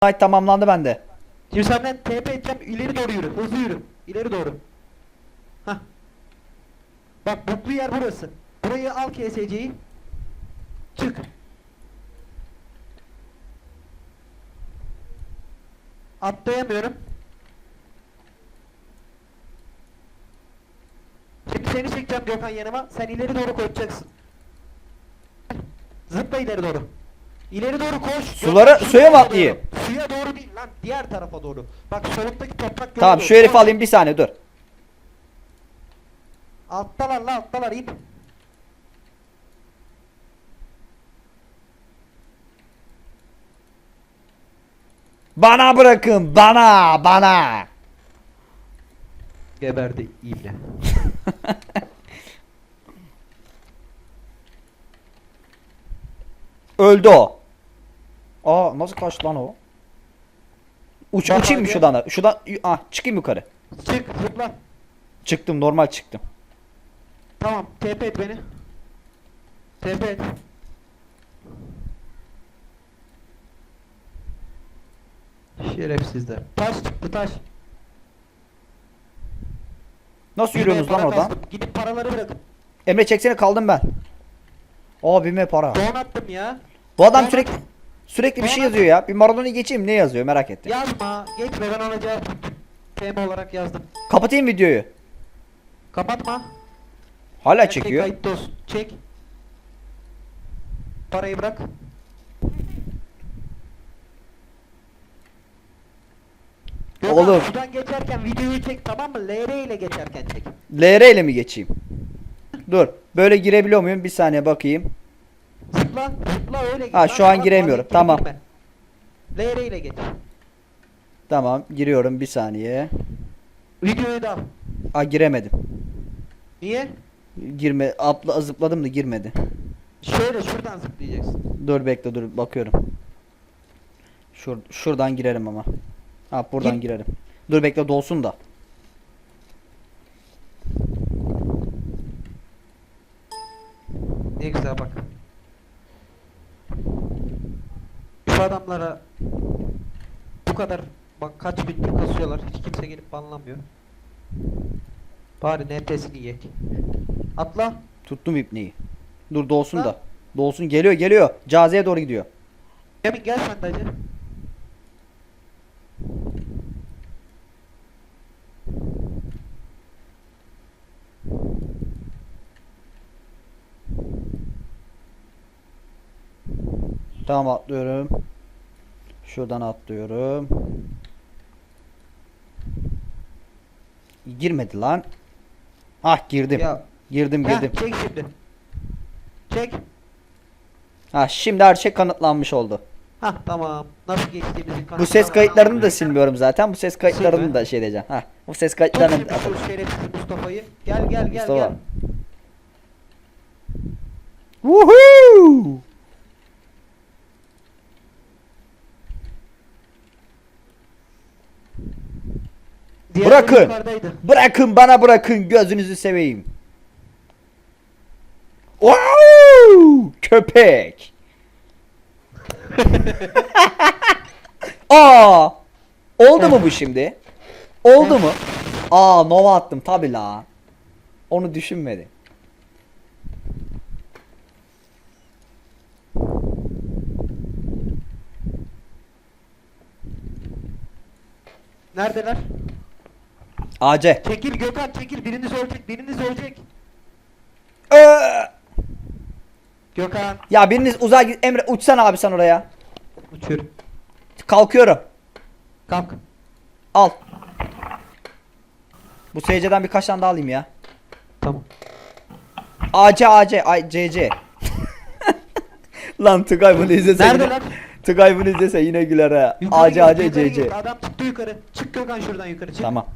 Ay tamamlandı bende. Şimdi senden TP edeceğim, ileri doğru yürü, hızlı yürü, ileri doğru. Hah. Bak buklu yer burası. Burayı al KSC'yi. Çık. Atlayamıyorum. Şimdi seni çekeceğim Gökhan yanıma. Sen ileri doğru koşacaksın. Zıpla ileri doğru. İleri doğru koş. Sulara- Gökhan, suya mı doğru. atlayayım? Suya doğru değil lan, diğer tarafa doğru. Bak solundaki toprak yola Tamam doğru. şu herifi Koş. alayım bir saniye dur. Alttalar la, alttalar in. Bana bırakın bana. Geberdi ibne. Öldü o. Aa nasıl kaçtı lan o? Bak Uçayım mı abi. şuradan da? Şuradan çıkayım yukarı. Çık zıpla. Çıktım normal çıktım. Tamam, TP et beni. TP et. Şerefsizler. Taş çıktı, taş. Nasıl yürüyorsunuz lan Para oradan? kastım. Gidip paraları bırakın. Emre çeksene kaldım ben. Abime para. Don attım ya. Bu adam Don sürekli bir şey Doğru. yazıyor ya. Bir Maradona'yı geçeyim ne yazıyor merak ettim. Yazma. Geçme, ben ona cevap TM olarak yazdım. Kapatayım videoyu. Kapatma. Hala Her şey çekiyor. kayıtta olsun. Çek. Parayı bırak. Gökhan, Oğlum. şuradan geçerken videoyu çek, tamam mı? LR ile geçerken çek. LR ile mi geçeyim? Dur. Böyle girebiliyor muyum? Bir saniye bakayım. Zıpla, zıpla öyle git. Ha, Lan, şu an bak, giremiyorum. girme. Tamam. LR ile geç. Tamam giriyorum bir saniye. Videoyu da al. Giremedim. Niye? Zıpladım da girmedi. Şöyle şuradan zıplayacaksın. Dur bekle dur bakıyorum. Şuradan girerim ama. Buradan Gir. girerim. Dur bekle dolsun da. Ne güzel bak. Şu adamlara bu kadar bak kaç bin kasıyorlar. Hiç kimse gelip banlamıyor. Bari NP'sini yek. Atla. Tuttum ipneyi. Dur dolsun Ha? da. Dolsun geliyor. Caziye doğru gidiyor. Emin gel sen de hacı. Tamam atlıyorum. Şuradan atlıyorum. Girmedi lan. Girdim. Ya. Girdim. Çek şimdi. Çek. Şimdi her şey kanıtlanmış oldu. Tamam. Nasıl geçtiğimizin Bu ses kayıtlarını da silmiyorum zaten. Bu ses kayıtlarını Silme. da şey edeceğim. Bu ses Tut kayıtlarını şimdi şu şerefsiz Mustafa'yı. Gel Mustafa. gel. Woohoo! Diğerleri Bırakın. yukarıdaydı. Bırakın gözünüzü seveyim. Wow! Köpek. Oldu mu bu şimdi? Oldu mu? Nova attım tabi la. Onu düşünmedi. Neredeler? AC. Çekil Gökhan, çekil. Biriniz ölecek. Gökhan. Ya biriniz uzağa git. Emre uçsana abi sen oraya. Uçur. Kalkıyorum. Kalk. Al. Bu SC'den birkaç tane daha alayım ya. Tamam. AC CC. Lan Tugay bunu izlese Nerede yine, lan? Tugay bunu izlese yine güler ha. Yukarı AC git, yukarı CC. git. Adam çıktı yukarı. Çık Gökhan, şuradan yukarı çık. Tamam.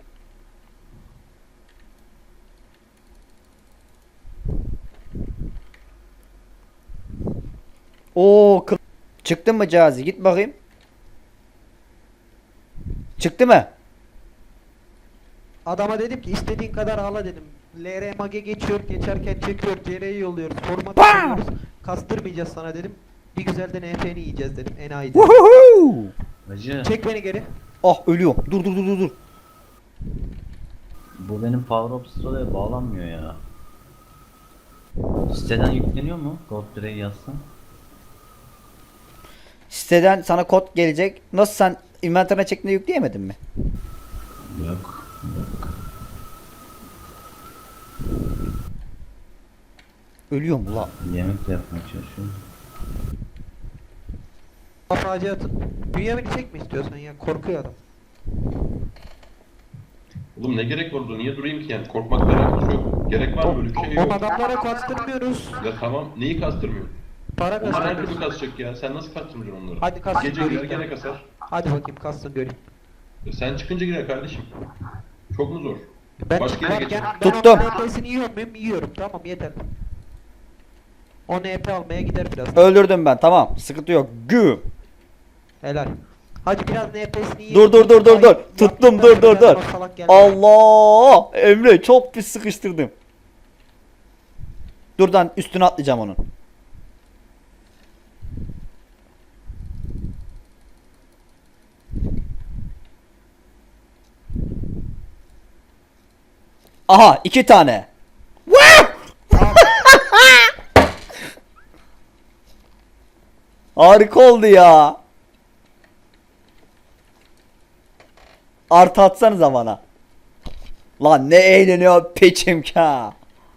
Çıktın mı Cazi? Git bakayım. Çıktı mı? Adama dedim ki istediğin kadar ağla dedim. LR mage geçiyor, geçerken çekiyor, CR'yi yolluyoruz, format Bam! atıyoruz. Kastırmayacağız sana dedim. Bir güzel de NF'ni yiyeceğiz dedim. Enayi dedim. Woohoo! Hacı, Çek beni geri. Ah ölüyorum. Dur dur dur dur dur. bu benim Power Up Store'ya bağlanmıyor ya. Siteden yükleniyor mu? God Play yazsam. Siteden sana kod gelecek. Nasıl sen inventörüne çektiğinde yükleyemedin mi? Yok. Ölüyorum ulan. Yemek de yapmaya çalışıyorum. Kafacı atın. Bünyamin'i çekme istiyorsan ya. Korkuyor adam. Oğlum ne gerek var orada? Niye durayım ki yani? Korkmakla alakası yok. Gerek var mı? Böyle bir şey O yok. adamlara kastırmıyoruz. Ya tamam. Neyi kastırmıyor? Para Onlar her türlü kastırmıyoruz. kasacak ya. Sen nasıl kastıracaksın onları? Hadi kastır Gece girer göreyim gene ben. kasar. Hadi bakayım kastın göreyim. Sen çıkınca girer kardeşim. Çok mu zor? Ben Başka yere çıkarken geçelim. ben Tuttum. onun NP'sini yiyor muyum? Yiyorum. Tamam yeter. O NP almaya gider biraz. Öldürdüm ben. Tamam. Sıkıntı yok. Güm. Helal. Hadi biraz NP'sini yiyelim. Dur dur dur dur dur. Ay, Tuttum yaptıktan dur dur sonra dur. o salak geldi. Allah! Emre çok pis sıkıştırdım. Durdan üstüne atlayacağım onun. Aha 2 tane. Harika oldu ya. Artı atsanıza bana. Lan ne eğleniyor peçim ka.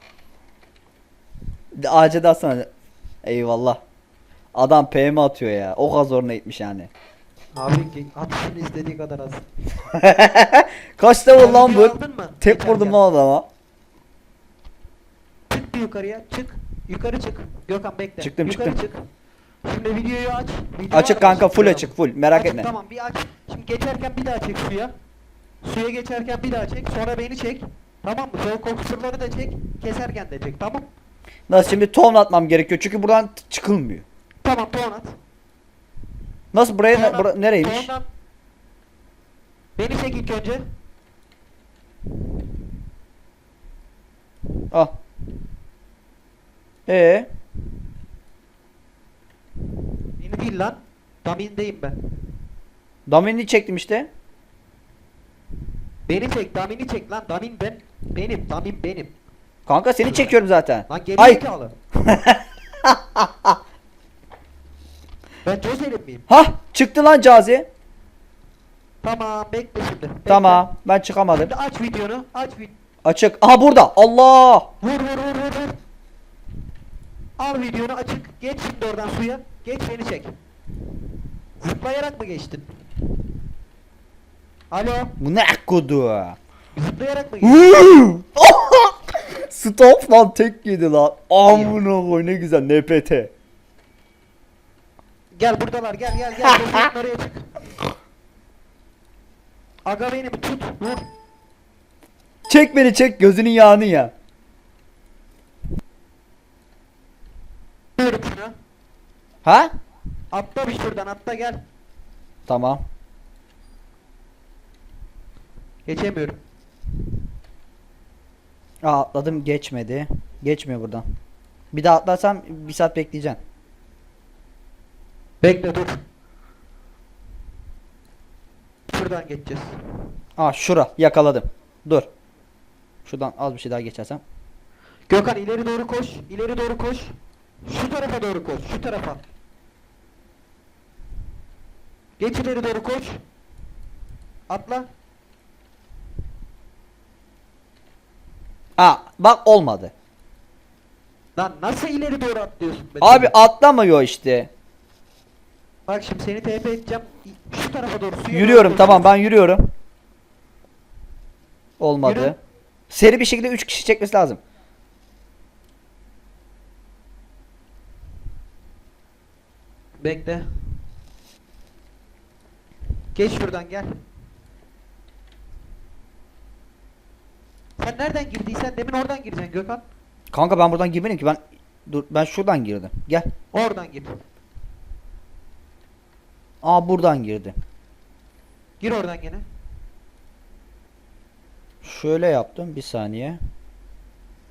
AC de atsana. Eyvallah. Adam PM atıyor ya. O kadar zoruna gitmiş yani. Abi atışını istediği kadar az. Kaç level lan bu? Aldın mı? Tek Geçerken. vurdum lan adama. Çık bir yukarıya. Çık. Yukarı çık. Gökhan bekle. Çıktım, Yukarı çıktım. çık. Şimdi videoyu aç. Video Açık var kanka mı? full açık full. Merak Açık, etme. Tamam bir aç. Şimdi geçerken bir daha çek suya. Suya geçerken bir daha çek. Sonra beni çek. Tamam mı? Sonra kokusurları da çek. Keserken de çek. Tamam. Nasıl şimdi ton atmam gerekiyor çünkü buradan çıkılmıyor. Tamam ton at. Nasıl buraya Ton at. nereymiş? Ton at. Beni çek ilk önce. Al. Beni değil lan. Damindeyim ben. Damin'i çektim işte. Beni çek. Damini çek lan. Damin ben. Benim. Damin benim. Kanka seni çekiyorum zaten. Lan geri Ay. zekalı. Ben Josel'im miyim? Hah çıktı lan Cazi. Tamam bekle şimdi. Bekle. Tamam ben çıkamadım. Şimdi aç videonu. Aç Açık. Aha burada. Allah. vur. Al videonu açık. Geç şimdi oradan suya. Geç beni çek. Zıplayarak mı geçtin? Alo. Bu ne kodu? Zıplayarak mı geçtin? Stop lan tek yedi lan. Amına koy ne güzel NPT. Gel buradalar gel. Gözünün oraya çık. Aga beni bir tut. Vur. Çek beni çek gözünün yağını ya. Diyorum şuna. Ha? Atla bir şuradan atla gel. Tamam. Geçemiyorum. Aa, atladım geçmedi. Geçmiyor buradan. Bir daha atlarsam bir saat bekleyeceksin. Bekle dur. Şuradan geçeceğiz. Aa şura yakaladım. Dur. Şuradan az bir şey daha geçersem. Gökhan ileri doğru koş. İleri doğru koş. Şu tarafa doğru koş. Şu tarafa. Geç ileri doğru koş. Atla. Aa bak olmadı. Lan nasıl ileri doğru atlıyorsun be? Abi atlamıyor işte. Bak şimdi seni TP edeceğim. Şu tarafa doğru suya Yürüyorum doğru tamam ben koşuyorsun. yürüyorum. Olmadı. Yürü. Seri bir şekilde 3 kişi çekmesi lazım. Bekle. Geç şuradan gel. Sen nereden girdiysen demin oradan gireceksin Gökhan. Kanka ben buradan girmedim ki ben şuradan girdim. Gel. Oradan gir. Aa buradan girdi. Gir oradan gene. Şöyle yaptım bir saniye.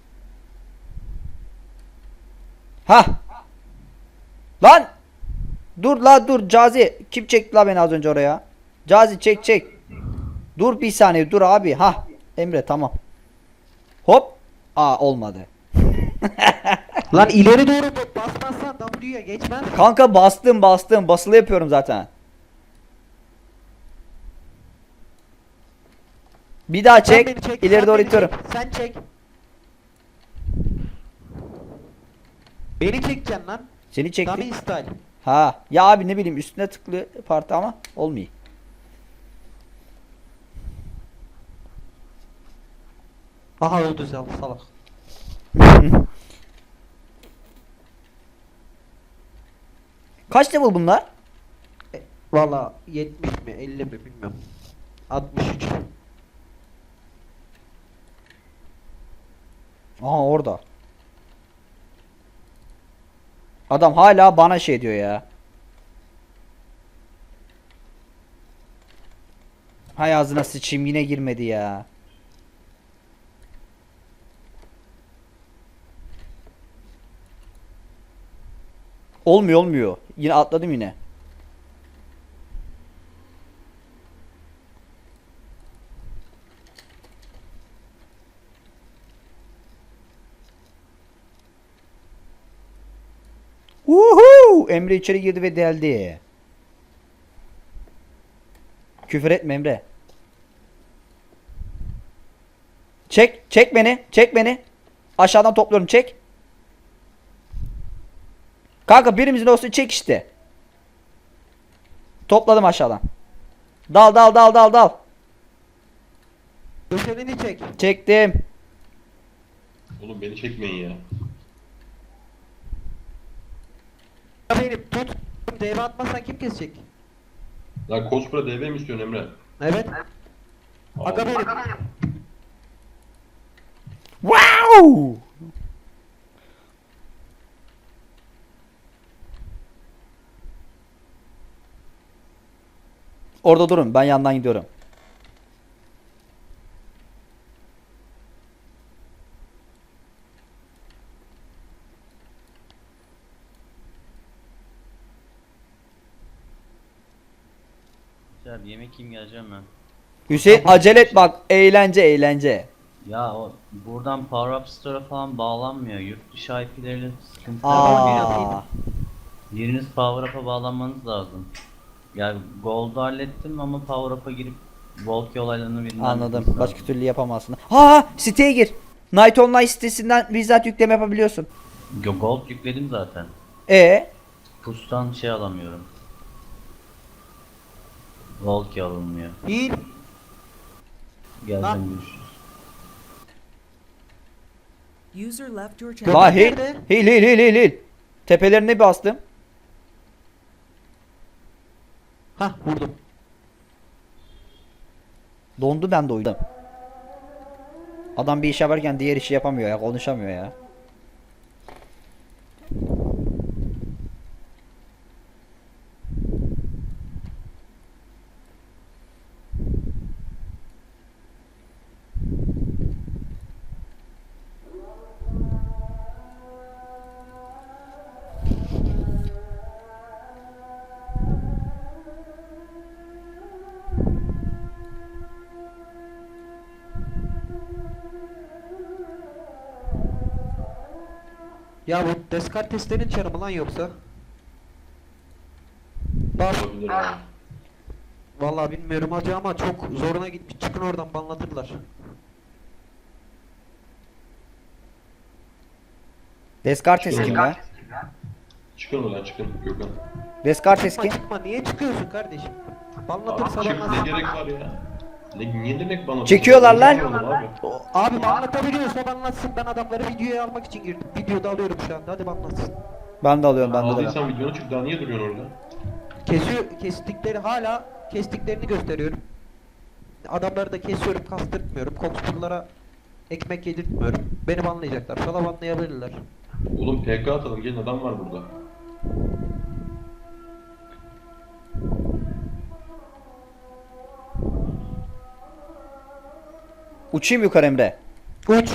Ha! Lan! Dur la dur Cazi. Kim çekti la beni az önce oraya? Cazi çek çek. Dur bir saniye dur abi. Ha Emre tamam. Hop. Aa olmadı. Lan ileri doğru basmazsan W'ye geçmez. Kanka bastım basılı yapıyorum zaten. Bir daha Sen çek. beni çek, İleri sen doğru beni itiyorum. çek, sen çek. Beni çekeceksin lan. Seni çektim. Dummy style. Ha ya abi ne bileyim üstüne tıklı parti ama olmuyor. Aha öldü salak. Kaç level bunlar? Valla 70 mi 50 mi bilmiyorum. 63. Aha orada. Adam hala bana şey diyor ya. Hay ağzına sıçayım yine girmedi ya. Olmuyor. Yine atladım yine. Uhu! Emre içeri girdi ve deldi. Küfür etme Emre. Çek beni. Aşağıdan topluyorum çek. Kanka birimizin olsun çek işte. Topladım aşağıdan. Dal. Köşenini çek. Çektim. Oğlum beni çekmeyin ya. Beni tut. Deve atmazsan kim kesecek? Lan Kospra DB mi istiyorsun Emre? Evet. Aga benim. Wow! Orada durun. Ben yandan gidiyorum. Abi yemek yiyeyim geleceğim ben. Hüseyin acele et bak. Eğlence. Ya o buradan Power Up Store'a falan bağlanmıyor. Yurt dışı IP'leriyle sıkıntılar var. Aa. Biriniz Power Up'a bağlanmanız lazım. Yani Gold'u hallettim ama Power Up'a girip Volki olaylarını birinden Anladım. bilmeniz Başka lazım. türlü yapamazsın. Ha, siteye gir. Night Online sitesinden bizzat yükleme yapabiliyorsun. Gold yükledim zaten. E Pustan şey alamıyorum. Volki alınmıyor. Hil. Geleceğim görüşürüz. User left your Gökhan channel. La hil. nerede? Hil. Tepelerine bastım. Hah vurdum. Dondu ben de oyun. Adam bir iş yaparken diğer işi yapamıyor ya. Konuşamıyor ya. Ya bu Descartes'lerin çarı mı lan yoksa? Bak. Olabilir abi. Vallahi bilmiyorum hacı ama çok zoruna gitmiş. Çıkın oradan banlatırlar. Descartes kim ya? Çıkın ulan çıkın Gökhan. Descartes Çıkma kim? çıkma niye çıkıyorsun kardeşim? Banlatırsa Çık ne banlatsın. gerek var ya? Ne demek bana? Çekiyorlar lan. Abi. Abi banlatabiliyorsa banlatsın. Ben adamları videoya almak için girdim. Videoda alıyorum şu anda. Hadi banlatsın. Ben de alıyorum. Aldıysan videonu çık daha niye duruyorsun orada? Kestiklerini gösteriyorum. Adamları da kesiyorum, kastırtmıyorum. Kokspurlara ekmek yedirtmiyorum. Beni banlayacaklar. Sana banlayabilirler. Oğlum PK atalım gelin adam var burada. Uçayım yukarı Emre. Uç.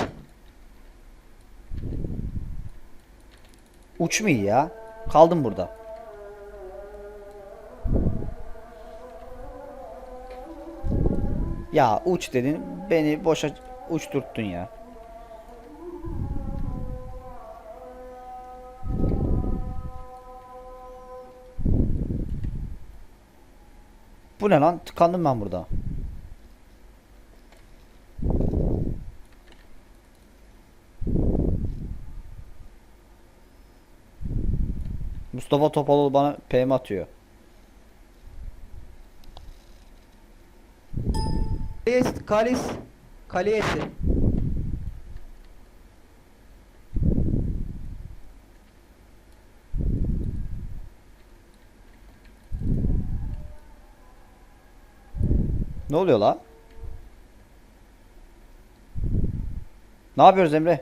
Uçmuyor ya. Kaldım burada. Ya uç dedin beni boşa uçturttun ya. Bu ne lan? Tıkandım ben burada. Mustafa Topaloğlu bana PM atıyor. Kalis. Kalesi. Ne oluyor lan? Ne yapıyoruz Emre?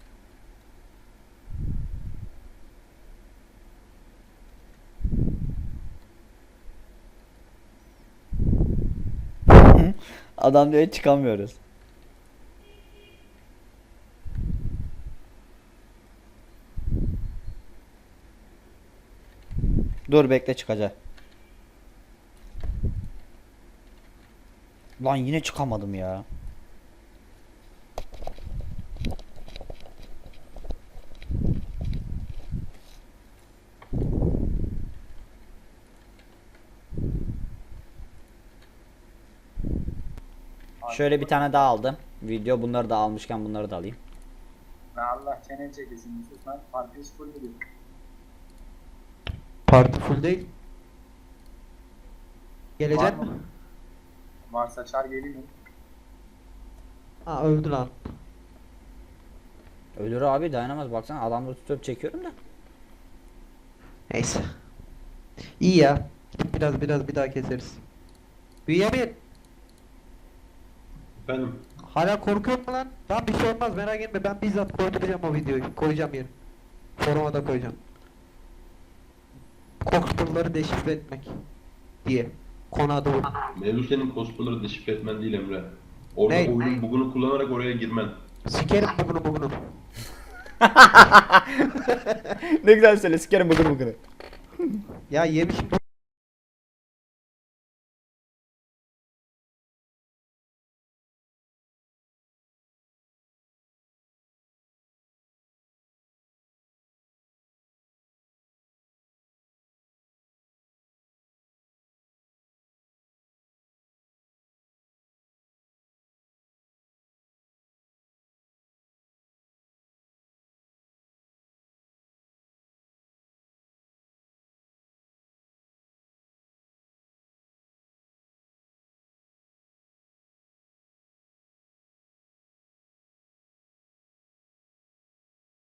Adam diyor çıkamıyoruz. Dur bekle çıkacak. Lan yine çıkamadım ya. Şöyle bir tane daha aldım. Video bunları da almışken bunları da alayım. Allah çene çekesin Yusuf lan. Partisi full gidiyor. Parti full değil. Gelecek Var mi? mı? Varsa çağır geleyim. Ha öldü lan. Ölür abi dayanamaz baksana adamları tutup çekiyorum da. Neyse. İyi ya. Biraz bir daha keseriz. Bünyamin. Efendim. Hala korkuyor mu lan? Tamam bir şey olmaz merak etme ben bizzat koyduracağım o videoyu. Koyacağım yeri. Foruma da koyacağım. Korkutuları deşifre etmek diye. Konu adı bu. Mevzu senin cosplay'ları deşifre etmen değil Emre. Orada Ne? oyunun bugunu kullanarak oraya girmen. Sikerim bunu. Ne güzel söyle sikerim bugün bugünü. Ya yemişim